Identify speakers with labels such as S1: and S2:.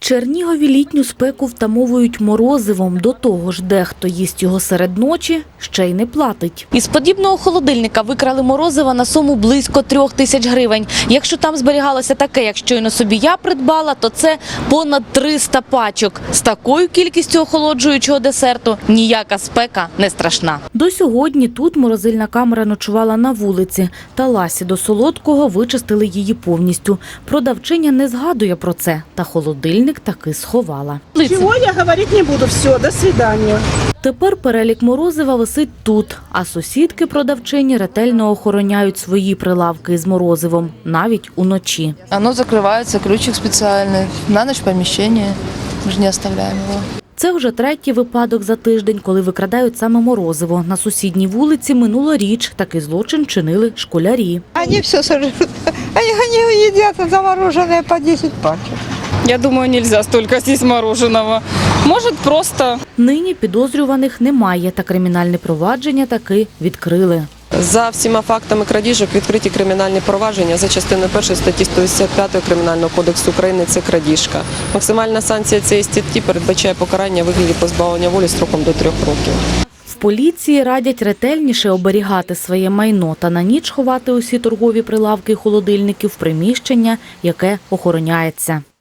S1: Чернігові літню спеку втамовують морозивом. До того ж, дехто їсть його серед ночі, ще й не платить. Із подібного холодильника викрали морозива на суму близько 3000 гривень. Якщо там зберігалося таке, як щойно собі я придбала, то це понад 300 пачок. З такою кількістю охолоджуючого десерту ніяка спека не страшна. До сьогодні тут морозильна камера ночувала на вулиці. Та ласі до солодкого вичистили її повністю. Продавчиня не згадує про це, та холодильник таки сховала.
S2: Чого я говорити не буду, все, до свидання.
S1: Тепер перелік морозива висить тут, а сусідки-продавчині ретельно охороняють свої прилавки з морозивом, навіть уночі.
S3: Оно закрывается, ключик специальный, на ночь помещение, мы же не оставляем его.
S1: Це вже третій випадок за тиждень, коли викрадають саме морозиво. На сусідній вулиці минулоріч такий злочин чинили школярі.
S4: Они все сожрут. Они едят замороженное по 10 пачек.
S5: Я думаю, нельзя столько съесть мороженого. Может, просто...
S1: Нині підозрюваних немає, та кримінальне провадження таки відкрили.
S6: За всіма фактами крадіжок відкриті кримінальні провадження за частиною 1 статті 185 Кримінального кодексу України – це крадіжка. Максимальна санкція цієї статті передбачає покарання у вигляді позбавлення волі строком до 3 років.
S1: В поліції радять ретельніше оберігати своє майно та на ніч ховати усі торгові прилавки і холодильники в приміщення, яке охороняється.